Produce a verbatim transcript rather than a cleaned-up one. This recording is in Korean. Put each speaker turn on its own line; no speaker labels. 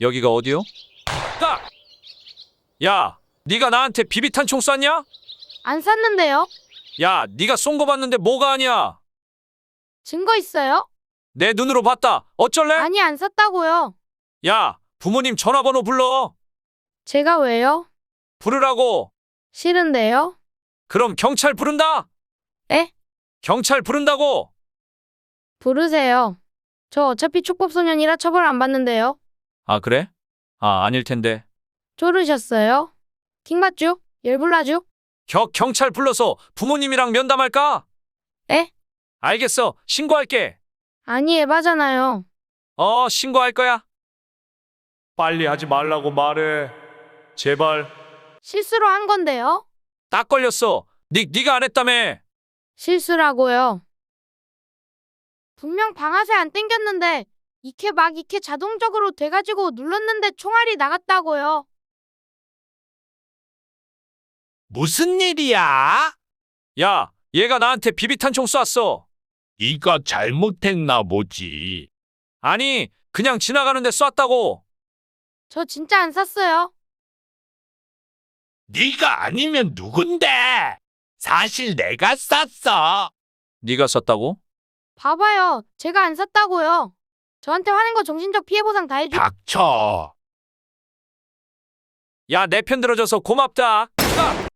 여기가 어디요? 딱! 야, 네가 나한테 비비탄 총 쐈냐?
안 샀는데요?
야, 네가 쏜 거 봤는데 뭐가 아니야?
증거 있어요?
내 눈으로 봤다. 어쩔래?
아니, 안 샀다고요.
야, 부모님 전화번호 불러.
제가 왜요?
부르라고.
싫은데요?
그럼 경찰 부른다.
에?
경찰 부른다고.
부르세요. 저 어차피 촉법소년이라 처벌 안 받는데요.
아, 그래? 아, 아닐 텐데.
쪼르셨어요? 킹받쥬? 열불나쥬?
겨, 경찰 불러서 부모님이랑 면담할까?
에?
알겠어. 신고할게.
아니, 에바잖아요.
어, 신고할 거야.
빨리 하지 말라고 말해. 제발.
실수로 한 건데요?
딱 걸렸어. 니, 니가 안 했다며.
실수라고요. 분명 방아쇠 안 땡겼는데 이케 막 이케 자동적으로 돼가지고 눌렀는데 총알이 나갔다고요.
무슨 일이야?
야, 얘가 나한테 비비탄 총 쐈어.
네가 잘못했나 보지.
아니, 그냥 지나가는데 쐈다고.
저 진짜 안 샀어요.
네가 아니면 누군데? 사실 내가 쐈어.
네가 쐈다고?
봐봐요. 제가 안 샀다고요. 저한테 화낸 거 정신적 피해 보상 다 해줘.
닥쳐.
야, 내 편 들어줘서 고맙다.